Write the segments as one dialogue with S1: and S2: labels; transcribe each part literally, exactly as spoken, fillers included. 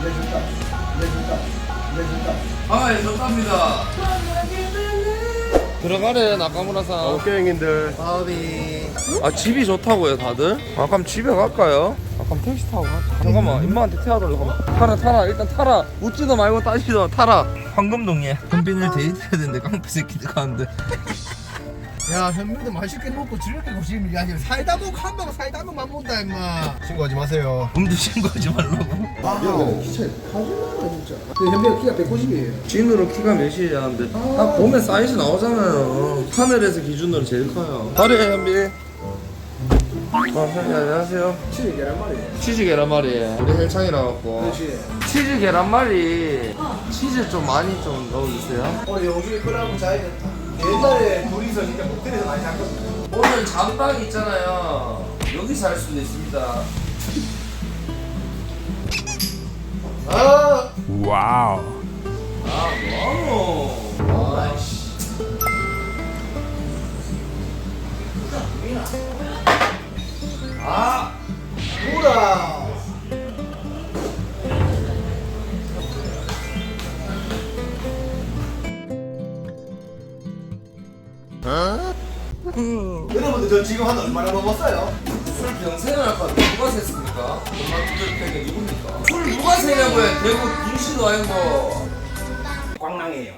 S1: 내준다. 내준다. 내준다.
S2: 아, 예, 좋답니다. 들어가래, 나카무라상.
S1: 오케이, 형님들.
S3: 어디?
S2: 아, 집이 좋다고요, 다들? 아, 그럼 집에 갈까요? 아, 그럼 택시 타고 가자. 잠깐만, 임마한테 태워달라고. 잠깐만. 타라, 타라. 일단 타라. 웃지도 말고 따지도 마. 타라. 황금동에 현빈을 데이트해야 되는데 깡패 새끼들 가는데.
S3: 야, 현민도 맛있게 먹고 즐겁게 고시면 야, 사이다 먹고 한 명 사이다 먹만 본다 임마.
S1: 신고하지 마세요.
S2: 음주 신고하지 말라고.
S1: 아, 기차 타줄라나 진짜. 근데 현빈이 키가 백구십이에요.
S2: 진으로 키가 몇이야 하는데 딱 보면 사이즈 나오잖아요. 하늘에서 기준으로 제일 커요. 다리에 현빈. 어, 현빈 안녕하세요.
S1: 치즈 계란말이에요.
S2: 치즈 계란말이. 우리 헬창이라 갖고.
S1: 그렇지.
S2: 치즈 계란말이. 치즈 좀 많이 좀 넣어주세요.
S1: 오늘 영준이 끌어가고 자야겠다. 옛날에 둘이서 진짜 모텔에서 많이 잤거든요.
S2: 오늘 잠방 있잖아요. 여기서 할 수도 있습니다.
S1: 아,
S2: 아, 뭐하노? 아이씨. 아,
S1: 뭐라. 여러분들 저 지금 한 얼마나 먹었어요?
S2: 술 병세는 아까 누가 셌습니까? 엄마 두들 팩이 누굽니까? 술 누가 세냐고요? 대구 김씨도 아니고.
S1: 광랑이에요.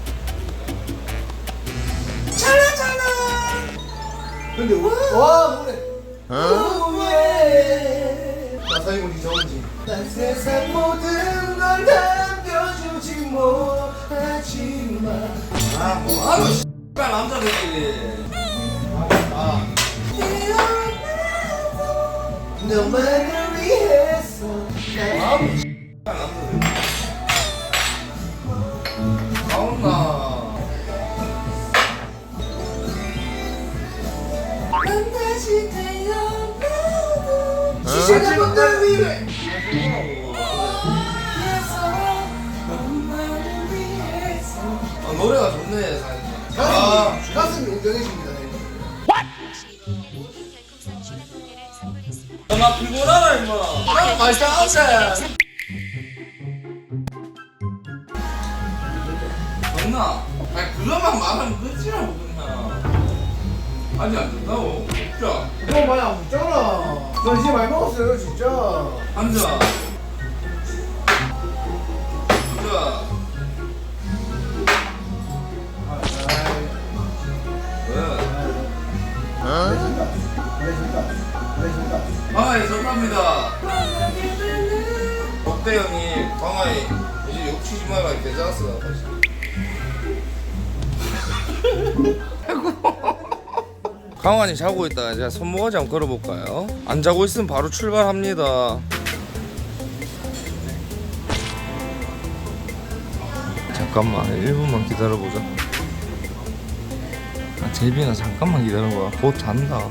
S2: 잘하잖아.
S1: 근데 와, 와 노래. 어? 나사이군이 좋은지. 난 세상 모든 걸 담겨주지 못하지만.
S2: 아, 뭐 하루 씨발 남자들끼리.
S1: 아. 너만을 위해서.
S2: 아무 씨발 남자들끼리. 나온나.
S4: 난 다시 태어나도
S1: 시시한 분들 위해.
S4: 엄마를 위해서
S2: 아, 노래가 좋네, 사실.
S1: 아, 가슴이 운명해집니다.
S2: 나 피곤하다, 임마. 나 말싸움돼. 됐나? 아니, 그것만 말하면 끝이라고, 그냥. 아직 안 됐다고? 자,
S1: 너무 많이 안 먹잖아. 저 이제 많이 먹었어요, 진짜.
S2: 앉아. 앉아. 왜?
S1: 내준다. 내준다. 내준다.
S2: 광아이 정답니다. 덕대 형이 광아이 이제 욕치지 마라 괜찮았어. 강환이 자고 있다. 제가 손모가지 한번 걸어볼까요? 안 자고 있으면 바로 출발합니다. 잠깐만 일 분만 기다려보자. 아, 제빈아 잠깐만 기다려봐. 곧 잔다.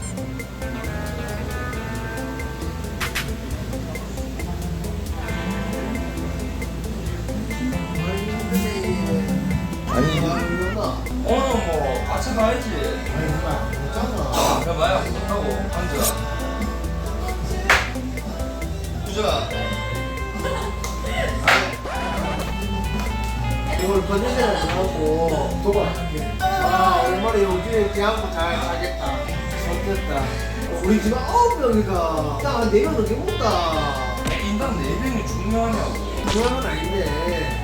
S2: 아니 오늘 뭐 같이 가야지.
S1: 아니, 정말 먹잖아.
S2: 그럼 마약 못하고 앉아. 부자.
S1: 오늘 컨디션을 정하고 도발할게. 아, 오랜만에 영준이 대하고 잘 자겠다. 좋겠다. 우리 지금 아홉 명이가 딱한 네 명 넘게 먹다.
S2: 인당 네 명이 중요하냐고.
S1: 그런 건 아닌데.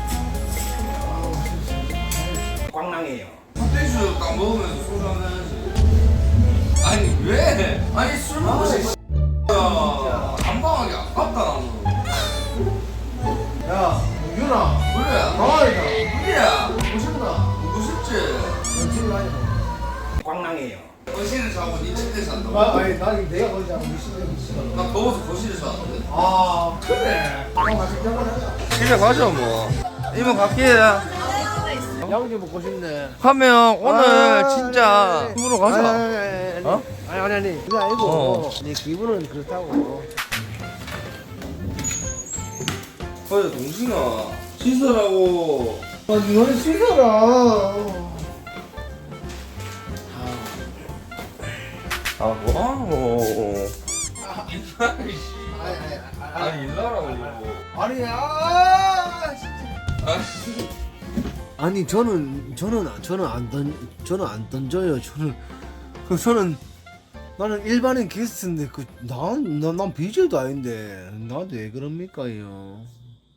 S3: 광랑이에요.
S2: 흑돼지 딱 먹으면서 소주 한잔 해야지. 아니 왜? 아니 술 먹고 싶어. 야 한방하기 아깝다 나는.
S1: 야, 영준아.
S2: 그래.
S1: 강아지다.
S2: 그래.
S1: 보고 싶다.
S2: 누구 싶지?
S1: 영준이 아니야.
S3: 광랑이에요.
S2: 거실에 자고 니 침대 잔다고.
S1: 아, 아니, 나 내가 거기 자고 미친놈이 있어.
S2: 나 더워서 거실에 잤는데.
S1: 아, 그래. 아, 맛있게 한번 하자.
S2: 집에 가자 뭐. 이모 갈게.
S1: 양주 먹고 싶네.
S2: 하면 오늘
S1: 아,
S2: 진짜
S1: 네.
S2: 집으로 가자.
S1: 아니, 아니, 아니, 아니.
S2: 어?
S1: 아니, 아니, 아니. 그게 아니고,
S2: 어.
S1: 내 기분은 그렇다고.
S2: 어제 동신아 씻으라고.
S1: 아, 너는 씻어라.
S2: 아 뭐하노.
S1: 아니, 아니, 아니.
S2: 아니 일나라고.
S1: 아니 아 진짜.
S2: 아,
S1: 아니 저는 저는 저는 안 던 저는 안 던져요. 저는 그 저는 나는 일반인 게스트인데 그난난 비제이도 아닌데 나한테 왜 그럽니까요?